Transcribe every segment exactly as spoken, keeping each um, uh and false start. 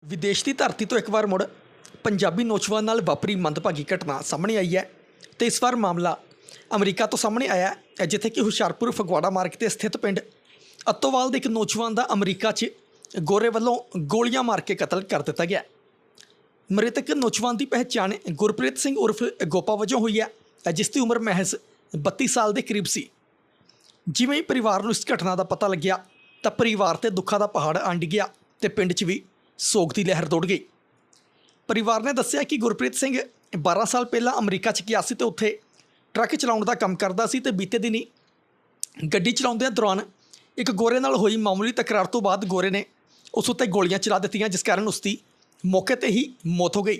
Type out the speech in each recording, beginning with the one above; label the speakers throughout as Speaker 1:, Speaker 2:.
Speaker 1: विदेश की धरती तो एक बार मुड़ पंजाबी नौजवान नाल वापरी मंदभागी घटना सामने आई है। तो इस बार मामला अमरीका तो सामने आया है, जिथे कि हुशियारपुर फगवाड़ा मार्ग से स्थित पिंड अत्तोवाल के एक नौजवान का अमरीका च गोरे वालों गोलियां मार के कतल कर दिता गया। मृतक नौजवान की पहचान गुरप्रीत सिंह उर्फ गोपा वजों हुई है, जिसकी उम्र महज बत्ती साल के करीब सी। जिवें ही परिवार को इस घटना का पता लग्या तो परिवार से दुखा का पहाड़ अंड गया तो पिंड च भी सोग की लहर दौड़ गई। परिवार ने दस्सिया कि गुरप्रीत सिंह बारह साल पहला अमरीका च गया सी ते उत्थे ट्रक चलाउण दा काम करदा सी ते बीते दिनी गड्डी चलाउंदे दौरान एक गोरे नाल होई मामूली तकरार तो बाद गोरे ने उस उत्ते गोलियां चला दित्तियां, जिस कारण उसकी मौके ते ही मौत हो गई।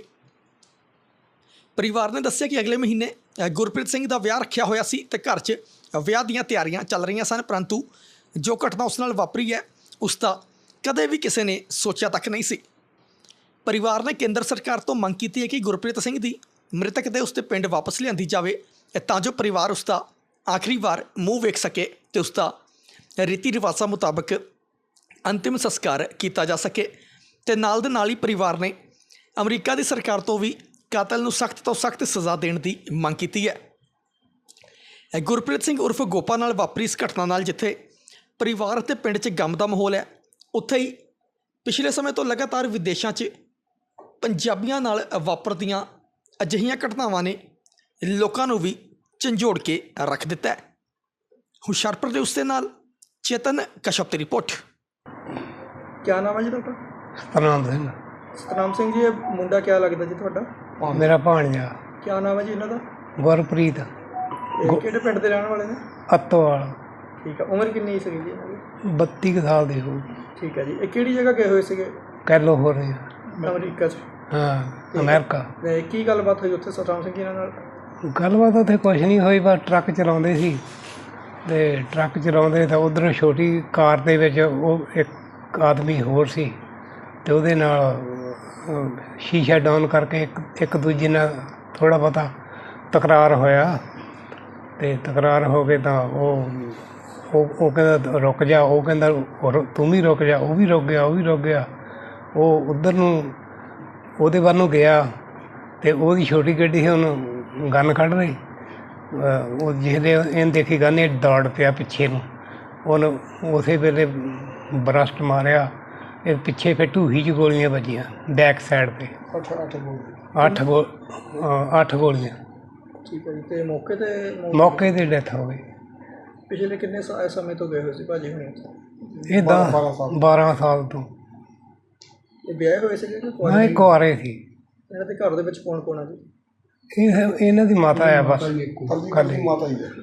Speaker 1: परिवार ने दस्सिया कि अगले महीने गुरप्रीत सिंह का विआह रखिया होया सी ते घर च विआह दीयां तैयारियां चल रही सन, परंतु जो घटना उस नाल वापरी है उसका कदे भी किसी ने सोचा तक नहीं सी। परिवार ने केंद्र सरकार तो मंग की है कि गुरप्रीत सिंह की मृतक दे उसके पिंड वापस लियांदी जाए तां जो परिवार उसका आखिरी बार मूँह वेख सके तो उसका रीति रिवाजा मुताबक अंतिम संस्कार किया जा सके। तो नाल दे नाल ही परिवार ने अमरीका की सरकार तो भी कातल नूं सख्त तो सख्त सज़ा देने की मंग की है। गुरप्रीत सिंह उर्फ गोपा नाल वापरी इस घटना नाल जिथे परिवार ते पिंड च गम का माहौल है, उत्थे ही पिछले समय तो लगातार विदेशों च पंजाबियों नाल वापरदियां अजिहियां घटनावां ने लोकां नूं भी झंझोड़ के रख दिता है। हुशियारपुर दे उसदे नाल चेतन कश्यप की रिपोर्ट। क्या नाम है जी तुहाडा?
Speaker 2: सतनाम सिंह।
Speaker 1: सतनाम सिंह जी, ये मुंडा क्या लगता जी तुहाडा?
Speaker 2: मेरा भाणजा।
Speaker 1: क्या नाम है जी इन्हां दा?
Speaker 2: गुरप्रीत।
Speaker 1: किहड़े पिंड दे रहण वाले ने?
Speaker 2: अत्तोवाल।
Speaker 1: ठीक है। उम्र कितनी सी जी इन्हां दी?
Speaker 2: बत्ती कुछ साल दी हो।
Speaker 1: ठीक है जी। ये किहड़ी जगह गए हुए सीगे?
Speaker 2: कैलो हो रही है।
Speaker 1: अमरीका च?
Speaker 2: हाँ, अमेरिका।
Speaker 1: ते की गलबात हुई उत्थे सतनाम सिंह जी इन्हां नाल?
Speaker 2: गलबात उत्थे कुछ नहीं हुई, बस ट्रक चलाਉਂਦੇ ਸੀ ਤੇ ट्रक चलाਉਂਦੇ ਤਾਂ ਉਧਰੋਂ ਛੋਟੀ ਕਾਰ ਦੇ ਵਿੱਚ ਉਹ ਇੱਕ ਆਦਮੀ ਹੋਰ ਸੀ ਤੇ ਉਹਦੇ ਨਾਲ ਸ਼ੀਸ਼ਾ ਡਾਊਨ ਕਰਕੇ ਇੱਕ ਇੱਕ ਦੂਜੇ ਨਾਲ ਥੋੜਾ ਬਹੁਤਾ ਤਕਰਾਰ ਹੋਇਆ ਤੇ ਤਕਰਾਰ ਹੋ ਕੇ ਤਾਂ ਉਹ ਉਹ ਉਹ ਕਹਿੰਦਾ ਰੁਕ ਜਾ, ਉਹ ਕਹਿੰਦਾ ਤੂੰ ਵੀ ਰੁਕ ਜਾ, ਉਹ ਵੀ ਰੁਕ ਗਿਆ, ਉਹ ਵੀ ਰੁਕ ਗਿਆ। ਉਹ ਉੱਧਰ ਨੂੰ ਉਹਦੇ ਵੱਲ ਨੂੰ ਗਿਆ ਤੇ ਉਹਦੀ ਛੋਟੀ ਗੱਡੀ ਸੀ, ਉਹਨੂੰ ਗਨ ਕੱਢ ਰਹੀ। ਉਹ ਜਿਹਦੇ ਇਹਨੇ ਦੇਖੀ ਗਨ, ਇਹ ਦੌੜ ਪਿਆ ਪਿੱਛੇ ਨੂੰ, ਉਹਨੂੰ ਉਸੇ ਵੇਲੇ ਬਰਸਟ ਮਾਰਿਆ। ਇਹ ਪਿੱਛੇ ਫਿਰ ਢੂਹੀ 'ਚ ਗੋਲੀਆਂ ਵੱਜੀਆਂ ਬੈਕ ਸਾਈਡ 'ਤੇ। ਅੱਠ ਗੋ ਅੱਠ ਗੋਲੀਆਂ।
Speaker 1: ਠੀਕ ਹੈ ਜੀ। ਤੇ ਮੌਕੇ ਤੇ
Speaker 2: ਮੌਕੇ 'ਤੇ ਡੈਥ ਹੋ ਗਈ।
Speaker 1: ਪਿਛਲੇ ਕਿੰਨੇ ਸਮੇਂ ਤੋਂ ਗਏ ਹੋਏ ਸੀ ਭਾਜੀ ਹੁਣੇ?
Speaker 2: ਇਹ ਦਸ ਬਾਰਾਂ ਸਾਲ ਤੋਂ।
Speaker 1: ਇਹ ਵਿਆਹੇ ਹੋਏ ਸੀਗੇ ਕਿ
Speaker 2: ਹਾਂ, ਇਹ ਕੁਆਰੇ ਸੀ।
Speaker 1: ਇਹਨਾਂ ਦੇ ਘਰ ਦੇ ਵਿੱਚ ਕੌਣ ਕੌਣ ਆ ਜੀ?
Speaker 2: ਇਹ ਇਹਨਾਂ ਦੀ ਮਾਤਾ ਆ ਬਸ ਖਾਲੀ।
Speaker 1: ਮਾਤਾ ਜੀ ਹਾਂ।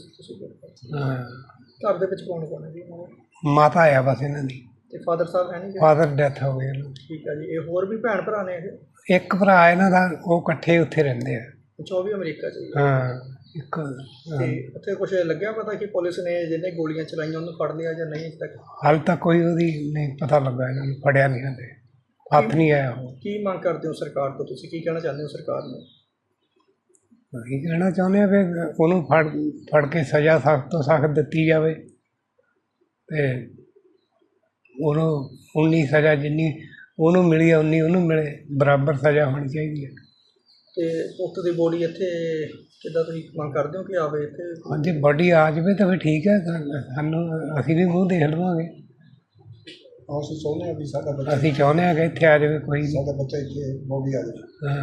Speaker 1: ਘਰ ਦੇ ਵਿੱਚ ਕੌਣ ਕੌਣ ਹੈ ਜੀ?
Speaker 2: ਮਾਤਾ ਆ ਬਸ ਇਹਨਾਂ ਦੀ।
Speaker 1: ਤੇ ਫਾਦਰ ਸਾਹਿਬ ਹੈ ਨਹੀਂ?
Speaker 2: ਫਾਦਰ ਡੈਥ ਹੋ ਗਈ।
Speaker 1: ਠੀਕ ਹੈ ਜੀ। ਇਹ ਹੋਰ ਵੀ ਭੈਣ ਭਰਾ ਨੇ ਇਹ?
Speaker 2: ਇੱਕ ਭਰਾ ਇਹਨਾਂ ਦਾ, ਉਹ ਇਕੱਠੇ ਉੱਥੇ ਰਹਿੰਦੇ ਆ।
Speaker 1: ਅੱਛਾ, ਉਹ ਵੀ ਅਮਰੀਕਾ 'ਚ?
Speaker 2: ਹਾਂ। ਇੱਕ
Speaker 1: ਤੇ ਉੱਥੇ ਕੁਛ ਲੱਗਿਆ ਪਤਾ ਕਿ ਪੁਲਿਸ ਨੇ ਜਿਹਨੇ ਗੋਲੀਆਂ ਚਲਾਈਆਂ ਉਹਨੂੰ ਫੜ ਲਿਆ ਜਾਂ ਨਹੀਂ? ਅਜੇ ਤੱਕ
Speaker 2: ਹਾਲੇ ਤੱਕ ਕੋਈ ਉਹਦੀ ਨਹੀਂ ਪਤਾ ਲੱਗਾ, ਇਹਨਾਂ ਨੂੰ ਫੜਿਆ ਨਹੀਂ ਹਲੇ, ਹੱਥ ਨਹੀਂ ਆਇਆ। ਉਹ
Speaker 1: ਕੀ ਮੰਗ ਕਰਦੇ ਹੋ ਸਰਕਾਰ ਤੋਂ? ਤੁਸੀਂ ਕੀ ਕਹਿਣਾ ਚਾਹੁੰਦੇ ਹੋ ਸਰਕਾਰ ਨੂੰ?
Speaker 2: ਅਸੀਂ ਕਹਿਣਾ ਚਾਹੁੰਦੇ ਹਾਂ ਵੀ ਉਹਨੂੰ ਫੜ ਫੜ ਕੇ ਸਜ਼ਾ ਸਖਤ ਤੋਂ ਸਖਤ ਦਿੱਤੀ ਜਾਵੇ ਅਤੇ ਉਹਨੂੰ ਉਨੀ ਸਜ਼ਾ ਜਿੰਨੀ ਉਹਨੂੰ ਮਿਲੀ ਹੈ ਉਨੀ ਉਹਨੂੰ ਮਿਲੇ, ਬਰਾਬਰ ਸਜ਼ਾ ਹੋਣੀ ਚਾਹੀਦੀ ਹੈ।
Speaker 1: ਅਤੇ ਪੁੱਤ ਦੀ ਬੋਡੀ ਇੱਥੇ ਕਿੱਦਾਂ ਤੁਸੀਂ ਮੰਗ ਕਰਦੇ ਹੋ ਕਿ ਆਵੇ ਇੱਥੇ?
Speaker 2: ਹਾਂਜੀ, ਬੋਡੀ ਆ ਜਾਵੇ ਤਾਂ ਫਿਰ ਠੀਕ ਹੈ, ਸਾਨੂੰ ਅਸੀਂ ਵੀ ਮੂੰਹ ਦੇਖ ਲਵਾਂਗੇ।
Speaker 1: ਅਸੀਂ ਚਾਹੁੰਦੇ ਹਾਂ ਵੀ ਸਾਡਾ ਬੱਚਾ
Speaker 2: ਅਸੀਂ ਚਾਹੁੰਦੇ ਹਾਂ ਕਿ ਇੱਥੇ ਆ ਜਾਵੇ, ਕੋਈ
Speaker 1: ਸਾਡਾ ਬੱਚਾ ਇੱਥੇ ਬੋਡੀ ਆ ਜਾਵੇ।
Speaker 2: ਹਾਂ।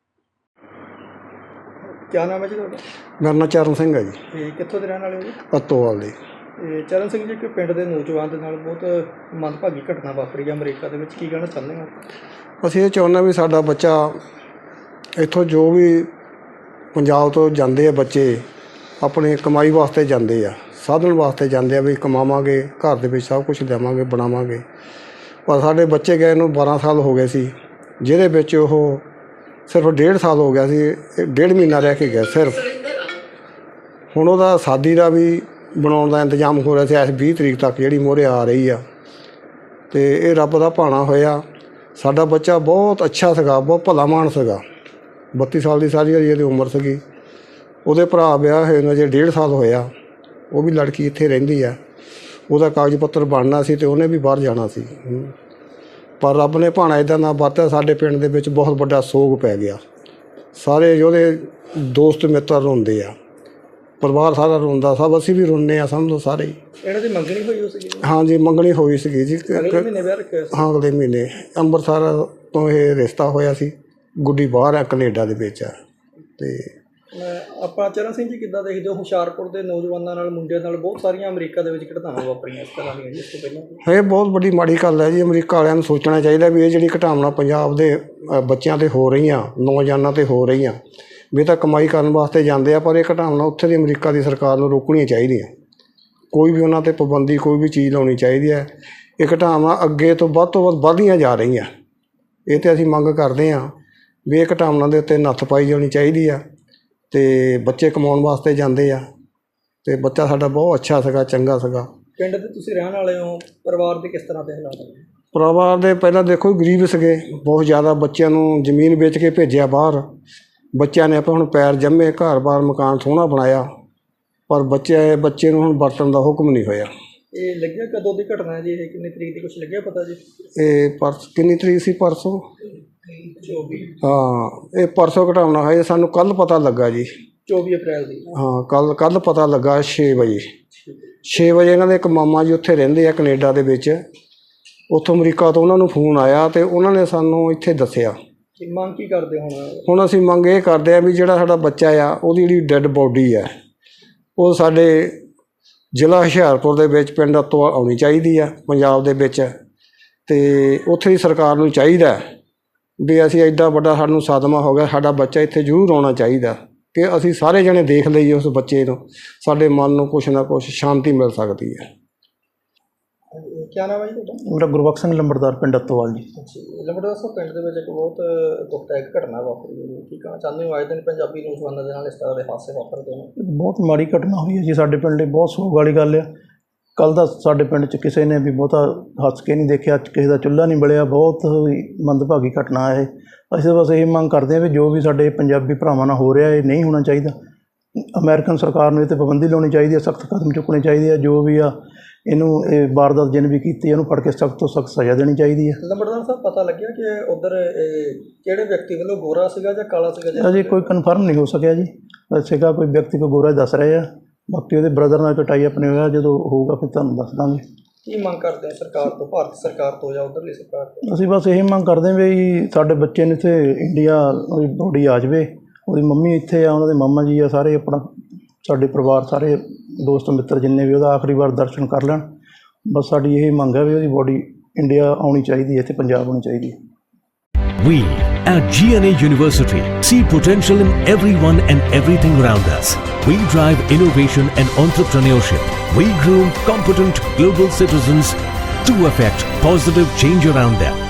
Speaker 1: ਕਿਆ ਨਾਮ ਹੈ ਜੀ ਤੁਹਾਡਾ?
Speaker 3: ਮੇਰਾ ਨਾਂ ਚਰਨ ਸਿੰਘ ਹੈ ਜੀ।
Speaker 1: ਅਤੇ ਕਿੱਥੋਂ ਦੇ ਰਹਿਣ ਵਾਲੇ ਹੋ ਜੀ?
Speaker 3: ਅਤੋਵਾਲ ਦੇ।
Speaker 1: ਅਤੇ ਚਰਨ ਸਿੰਘ ਜੀ, ਇੱਕ ਪਿੰਡ ਦੇ ਨੌਜਵਾਨ ਦੇ ਨਾਲ ਬਹੁਤ ਮੰਦਭਾਗੀ ਘਟਨਾ ਵਾਪਰੀ ਹੈ ਅਮਰੀਕਾ ਦੇ ਵਿੱਚ, ਕੀ ਕਹਿਣਾ ਚਾਹੁੰਦੇ ਹੋ?
Speaker 3: ਅਸੀਂ ਇਹ ਚਾਹੁੰਦੇ ਵੀ ਸਾਡਾ ਬੱਚਾ ਇੱਥੋਂ, ਜੋ ਵੀ ਪੰਜਾਬ ਤੋਂ ਜਾਂਦੇ ਆ ਬੱਚੇ, ਆਪਣੇ ਕਮਾਈ ਵਾਸਤੇ ਜਾਂਦੇ ਆ, ਸਾਧਨ ਵਾਸਤੇ ਜਾਂਦੇ ਆ ਵੀ ਕਮਾਵਾਂਗੇ, ਘਰ ਦੇ ਵਿੱਚ ਸਭ ਕੁਛ ਦੇਵਾਂਗੇ, ਬਣਾਵਾਂਗੇ। ਪਰ ਸਾਡੇ ਬੱਚੇ ਗਏ ਨੂੰ ਬਾਰਾਂ ਸਾਲ ਹੋ ਗਏ ਸੀ, ਜਿਹਦੇ ਵਿੱਚ ਉਹ ਸਿਰਫ ਡੇਢ ਸਾਲ ਹੋ ਗਿਆ ਸੀ, ਡੇਢ ਮਹੀਨਾ ਰਹਿ ਕੇ ਗਿਆ ਸਿਰਫ। ਹੁਣ ਉਹਦਾ ਸ਼ਾਦੀ ਦਾ ਵੀ ਬਣਾਉਣ ਦਾ ਇੰਤਜ਼ਾਮ ਹੋ ਰਿਹਾ ਸੀ ਇਸ ਵੀਹ ਤਰੀਕ ਤੱਕ, ਜਿਹੜੀ ਮੋਹਰੇ ਆ ਰਹੀ ਆ। ਅਤੇ ਇਹ ਰੱਬ ਦਾ ਭਾਣਾ ਹੋਇਆ। ਸਾਡਾ ਬੱਚਾ ਬਹੁਤ ਅੱਛਾ ਸੀਗਾ, ਬਹੁਤ ਭਲਾ ਮਾਨਸ ਸੀਗਾ। ਬੱਤੀ ਸਾਲ ਦੀ ਸਾਰੀ ਇਹਦੀ ਉਮਰ ਸੀਗੀ। ਉਹਦੇ ਭਰਾ ਵਿਆਹ ਹੋਏ ਨੂੰ ਅਜੇ ਡੇਢ ਸਾਲ ਹੋਇਆ। ਉਹ ਵੀ ਲੜਕੀ ਇੱਥੇ ਰਹਿੰਦੀ ਆ। ਉਹਦਾ ਕਾਗਜ਼ ਪੱਤਰ ਬਣਨਾ ਸੀ ਅਤੇ ਉਹਨੇ ਵੀ ਬਾਹਰ ਜਾਣਾ ਸੀ। ਪਰ ਰੱਬ ਨੇ ਭਾਣਾ ਇਦਾਂ ਦਾ ਵਰਤਿਆ, ਸਾਡੇ ਪਿੰਡ ਦੇ ਵਿੱਚ ਬਹੁਤ ਵੱਡਾ ਸੋਗ ਪੈ ਗਿਆ। ਸਾਰੇ ਉਹਦੇ ਦੋਸਤ ਮਿੱਤਰ ਰੋਂਦੇ ਆ, ਪਰਿਵਾਰ ਸਾਰਾ ਰੋਂਦਾ, ਸਭ ਅਸੀਂ ਵੀ ਰੋਂਦੇ ਆ, ਸਮਝੋ ਸਾਰੇ ਹੀ।
Speaker 1: ਇਹਨਾਂ ਦੀ ਮੰਗਣੀ ਹੋਈ ਸੀ?
Speaker 3: ਹਾਂਜੀ, ਮੰਗਣੀ ਹੋਈ ਸੀਗੀ ਜੀ।
Speaker 1: ਅਗਲੇ ਮਹੀਨੇ ਵਿਆਹ ਰੱਖਿਆ ਸੀ?
Speaker 3: ਹਾਂ, ਅਗਲੇ ਮਹੀਨੇ ਅੰਮ੍ਰਿਤਸਰ ਤੋਂ ਇਹ ਰਿਸ਼ਤਾ ਹੋਇਆ ਸੀ। ਗੁੱਡੀ ਬਾਹਰ ਆ, ਕੈਨੇਡਾ ਦੇ ਵਿੱਚ ਆ। ਤੇ
Speaker 1: ਆਪਾਂ ਚਰਨ ਸਿੰਘ ਜੀ ਕਿੱਦਾਂ ਦੇਖਦੇ ਹੋ, ਹੁਸ਼ਿਆਰਪੁਰ ਦੇ ਨੌਜਵਾਨਾਂ ਨਾਲ, ਮੁੰਡਿਆਂ ਨਾਲ ਬਹੁਤ ਸਾਰੀਆਂ ਅਮਰੀਕਾ ਦੇ ਵਿੱਚ ਘਟਨਾਵਾਂ ਵਾਪਰੀਆਂ ਇਸ ਤਰ੍ਹਾਂ ਦੀਆਂ ਜੀ ਇਸ ਤੋਂ ਪਹਿਲਾਂ?
Speaker 3: ਇਹ ਬਹੁਤ ਵੱਡੀ ਮਾੜੀ ਗੱਲ ਹੈ ਜੀ। ਅਮਰੀਕਾ ਵਾਲਿਆਂ ਨੂੰ ਸੋਚਣਾ ਚਾਹੀਦਾ ਵੀ ਇਹ ਜਿਹੜੀ ਘਟਨਾਵਾਂ ਪੰਜਾਬ ਦੇ ਅ, ਬੱਚਿਆਂ 'ਤੇ ਹੋ ਰਹੀਆਂ, ਨੌਜਵਾਨਾਂ 'ਤੇ ਹੋ ਰਹੀਆਂ, ਵੀ ਇਹ ਤਾਂ ਕਮਾਈ ਕਰਨ ਵਾਸਤੇ ਜਾਂਦੇ ਆ, ਪਰ ਇਹ ਘਟਨਾਵਾਂ ਉੱਥੇ ਦੀ ਅਮਰੀਕਾ ਦੀ ਸਰਕਾਰ ਨੂੰ ਰੋਕਣੀਆਂ ਚਾਹੀਦੀਆਂ। ਕੋਈ ਵੀ ਉਹਨਾਂ 'ਤੇ ਪਾਬੰਦੀ, ਕੋਈ ਵੀ ਚੀਜ਼ ਲਾਉਣੀ ਚਾਹੀਦੀ ਹੈ। ਇਹ ਘਟਨਾਵਾਂ ਅੱਗੇ ਤੋਂ ਵੱਧ ਤੋਂ ਵੱਧ ਵੱਧਦੀਆਂ ਜਾ ਰਹੀਆਂ। ਇਹ 'ਤੇ ਅਸੀਂ ਮੰਗ ਕਰਦੇ ਹਾਂ ਵੀ ਇਹ ਘਟਨਾਵਾਂ ਦੇ ਉੱਤੇ ਨੱਥ ਪਾਈ ਜਾਣੀ ਚਾਹੀਦੀ ਆ। ਅਤੇ ਬੱਚੇ ਕਮਾਉਣ ਵਾਸਤੇ ਜਾਂਦੇ ਆ, ਅਤੇ ਬੱਚਾ ਸਾਡਾ ਬਹੁਤ ਅੱਛਾ ਸੀਗਾ, ਚੰਗਾ ਸੀਗਾ।
Speaker 1: ਪਿੰਡ ਦੇ ਤੁਸੀਂ ਰਹਿਣ ਵਾਲੇ ਹੋ, ਪਰਿਵਾਰ ਦੇ ਕਿਸ ਤਰ੍ਹਾਂ ਦੇ ਹਾਲਾਤ ਨੇ?
Speaker 3: ਪਰਿਵਾਰ ਦੇ ਪਹਿਲਾਂ ਦੇਖੋ ਗਰੀਬ ਸੀਗੇ ਬਹੁਤ ਜ਼ਿਆਦਾ। ਬੱਚਿਆਂ ਨੂੰ ਜ਼ਮੀਨ ਵੇਚ ਕੇ ਭੇਜਿਆ ਬਾਹਰ। ਬੱਚਿਆਂ ਨੇ ਆਪਾਂ ਹੁਣ ਪੈਰ ਜੰਮੇ, ਘਰ-ਬਾਰ ਮਕਾਨ ਸੋਹਣਾ ਬਣਾਇਆ, ਪਰ ਬੱਚੇ ਬੱਚੇ ਨੂੰ ਹੁਣ ਵਰਤਣ ਦਾ ਹੁਕਮ ਨਹੀਂ ਹੋਇਆ।
Speaker 1: ਇਹ ਲੱਗਿਆ ਕਦੋਂ ਦੀ ਘਟਨਾ ਹੈ ਜੀ? ਇਹ ਕਿੰਨੀ ਤਰੀਕ ਦੀ ਕੁਛ ਲੱਗਿਆ ਪਤਾ ਜੀ?
Speaker 3: ਇਹ ਪਰਸ ਕਿੰਨੀ ਤਰੀਕ ਸੀ? ਪਰਸੋਂ।
Speaker 1: ਚੌਵੀ।
Speaker 3: ਹਾਂ, ਇਹ ਪਰਸੋਂ ਘਟਾਉਣਾ ਹੈ। ਸਾਨੂੰ ਕੱਲ੍ਹ ਪਤਾ ਲੱਗਾ ਜੀ।
Speaker 1: ਚੌਵੀ ਅਪ੍ਰੈਲ ਦੀ?
Speaker 3: ਹਾਂ, ਕੱਲ੍ਹ ਕੱਲ੍ਹ ਪਤਾ ਲੱਗਾ ਛੇ ਵਜੇ। ਛੇ ਵਜੇ ਇਹਨਾਂ ਦੇ ਇੱਕ ਮਾਮਾ ਜੀ ਉੱਥੇ ਰਹਿੰਦੇ ਆ ਕੈਨੇਡਾ ਦੇ ਵਿੱਚ, ਉੱਥੋਂ ਅਮਰੀਕਾ ਤੋਂ ਉਹਨਾਂ ਨੂੰ ਫੋਨ ਆਇਆ ਅਤੇ ਉਹਨਾਂ ਨੇ ਸਾਨੂੰ ਇੱਥੇ ਦੱਸਿਆ।
Speaker 1: ਮੰਗ ਕੀ ਕਰਦੇ ਹੁਣ?
Speaker 3: ਹੁਣ ਅਸੀਂ ਮੰਗ ਇਹ ਕਰਦੇ ਹਾਂ ਵੀ ਜਿਹੜਾ ਸਾਡਾ ਬੱਚਾ ਆ, ਉਹਦੀ ਜਿਹੜੀ ਡੈੱਡ ਬੋਡੀ ਹੈ, ਉਹ ਸਾਡੇ ਜ਼ਿਲ੍ਹਾ ਹੁਸ਼ਿਆਰਪੁਰ ਦੇ ਵਿੱਚ ਪਿੰਡ ਤੋਂ ਆਉਣੀ ਚਾਹੀਦੀ ਆ, ਪੰਜਾਬ ਦੇ ਵਿੱਚ। ਅਤੇ ਉੱਥੇ ਦੀ ਸਰਕਾਰ ਨੂੰ ਚਾਹੀਦਾ ਵੀ ਅਸੀਂ ਐਡਾ ਵੱਡਾ ਸਾਨੂੰ ਸਦਮਾ ਹੋ ਗਿਆ, ਸਾਡਾ ਬੱਚਾ ਇੱਥੇ ਜ਼ਰੂਰ ਆਉਣਾ ਚਾਹੀਦਾ ਕਿ ਅਸੀਂ ਸਾਰੇ ਜਣੇ ਦੇਖ ਲਈਏ ਉਸ ਬੱਚੇ ਨੂੰ, ਸਾਡੇ ਮਨ ਨੂੰ ਕੁਛ ਨਾ ਕੁਛ ਸ਼ਾਂਤੀ ਮਿਲ ਸਕਦੀ ਹੈ।
Speaker 1: ਕੀ ਨਾਮ ਹੈ ਜੀ ਤੁਹਾਡਾ?
Speaker 4: ਮੇਰਾ ਗੁਰਬਖਸ਼ ਸਿੰਘ ਲੰਬੜਦਾਰ, ਪਿੰਡ ਅੱਤੋਵਾਲ ਜੀ।
Speaker 1: ਲੰਬੜਦਾਰ ਸਾਹਿਬ, ਪਿੰਡ ਦੇ ਵਿੱਚ ਇੱਕ ਬਹੁਤ ਦੁਖਦਾਇਕ ਘਟਨਾ ਵਾਪਰੀ ਹੈ, ਕੀ ਕਹਿਣਾ ਚਾਹੁੰਦੇ ਹੋ? ਆਏ ਦਿਨ ਪੰਜਾਬੀ ਨੌਜਵਾਨਾਂ ਦੇ ਨਾਲ ਇਸ ਤਰ੍ਹਾਂ ਦੇ ਹਾਦਸੇ ਵਾਪਰਦੇ ਨੇ।
Speaker 4: ਬਹੁਤ ਮਾੜੀ ਘਟਨਾ ਹੋਈ ਹੈ ਜੀ ਸਾਡੇ ਪਿੰਡ ਲਈ, ਬਹੁਤ ਸੋਗ ਵਾਲੀ ਗੱਲ ਆ। ਕੱਲ੍ਹ ਦਾ ਸਾਡੇ ਪਿੰਡ 'ਚ ਕਿਸੇ ਨੇ ਵੀ ਬਹੁਤਾ ਹੱਸ ਕੇ ਨਹੀਂ ਦੇਖਿਆ, ਕਿਸੇ ਦਾ ਚੁੱਲ੍ਹਾ ਨਹੀਂ ਬਲਿਆ। ਬਹੁਤ ਹੀ ਮੰਦਭਾਗੀ ਘਟਨਾ ਇਹ। ਅਸੀਂ ਬਸ ਇਹ ਮੰਗ ਕਰਦੇ ਹਾਂ ਵੀ ਜੋ ਵੀ ਸਾਡੇ ਪੰਜਾਬੀ ਭਰਾਵਾਂ ਨਾਲ ਹੋ ਰਿਹਾ, ਇਹ ਨਹੀਂ ਹੋਣਾ ਚਾਹੀਦਾ। ਅਮਰੀਕਨ ਸਰਕਾਰ ਨੂੰ ਇਹ 'ਤੇ ਪਾਬੰਦੀ ਲਾਉਣੀ ਚਾਹੀਦੀ ਹੈ, ਸਖਤ ਕਦਮ ਚੁੱਕਣੇ ਚਾਹੀਦੇ ਆ। ਜੋ ਵੀ ਆ ਇਹਨੂੰ ਇਹ ਵਾਰਦਾਤ ਜਿਹਨੇ ਵੀ ਕੀਤੀ, ਇਹਨੂੰ ਫੜ ਕੇ ਸਖਤ ਤੋਂ ਸਖਤ ਸਜ਼ਾ ਦੇਣੀ ਚਾਹੀਦੀ ਹੈ।
Speaker 1: ਲੰਬੜਦਾਰ ਸਾਹਿਬ, ਪਤਾ ਲੱਗਿਆ ਕਿ ਉੱਧਰ ਕਿਹੜੇ ਵਿਅਕਤੀ ਵੱਲੋਂ ਗੋਰਾ ਸੀਗਾ ਜਾਂ ਕਾਲਾ ਸੀਗਾ?
Speaker 4: ਅਜੇ ਕੋਈ ਕਨਫਰਮ ਨਹੀਂ ਹੋ ਸਕਿਆ ਜੀ। ਸੀਗਾ ਕੋਈ ਵਿਅਕਤੀ ਕੋਈ ਗੋਰਾ ਦੱਸ ਰਹੇ ਆ, ਬਾਕੀ ਉਹਦੇ ਬ੍ਰਦਰ ਨਾਲ ਕਟਾਈ ਆਪਣੇ ਹੋਇਆ, ਜਦੋਂ ਹੋਊਗਾ ਫਿਰ ਤੁਹਾਨੂੰ ਦੱਸ ਦਾਂਗੇ।
Speaker 1: ਕੀ ਮੰਗ ਕਰਦੇ ਆ ਸਰਕਾਰ ਤੋਂ, ਭਾਰਤ ਸਰਕਾਰ ਤੋਂ ਜਾਂ ਉੱਧਰਲੀ ਸਰਕਾਰ ਤੋਂ?
Speaker 4: ਅਸੀਂ ਬਸ ਇਹੀ ਮੰਗ ਕਰਦੇ ਹਾਂ ਵੀ ਸਾਡੇ ਬੱਚੇ ਨੂੰ ਇੱਥੇ ਇੰਡੀਆ ਉਹਦੀ ਬੋਡੀ ਆ ਜਾਵੇ, ਉਹਦੀ ਮੰਮੀ ਇੱਥੇ ਆ, ਉਹਨਾਂ ਦੇ ਮਾਮਾ ਜੀ ਆ, ਸਾਰੇ ਆਪਣਾ ਸਾਡੇ ਪਰਿਵਾਰ, ਸਾਰੇ ਦੋਸਤ ਮਿੱਤਰ ਜਿੰਨੇ ਵੀ, ਉਹਦਾ ਆਖਰੀ ਵਾਰ ਦਰਸ਼ਨ ਕਰ ਲੈਣ। ਬਸ ਸਾਡੀ ਇਹ ਮੰਗ ਹੈ ਵੀ ਉਹਦੀ ਬੋਡੀ ਇੰਡੀਆ ਆਉਣੀ ਚਾਹੀਦੀ ਹੈ, ਇੱਥੇ ਪੰਜਾਬ ਆਉਣੀ ਚਾਹੀਦੀ ਹੈ।
Speaker 5: We at G N A University see potential in everyone and everything around us. We drive innovation and entrepreneurship. We groom competent global citizens to affect positive change around them.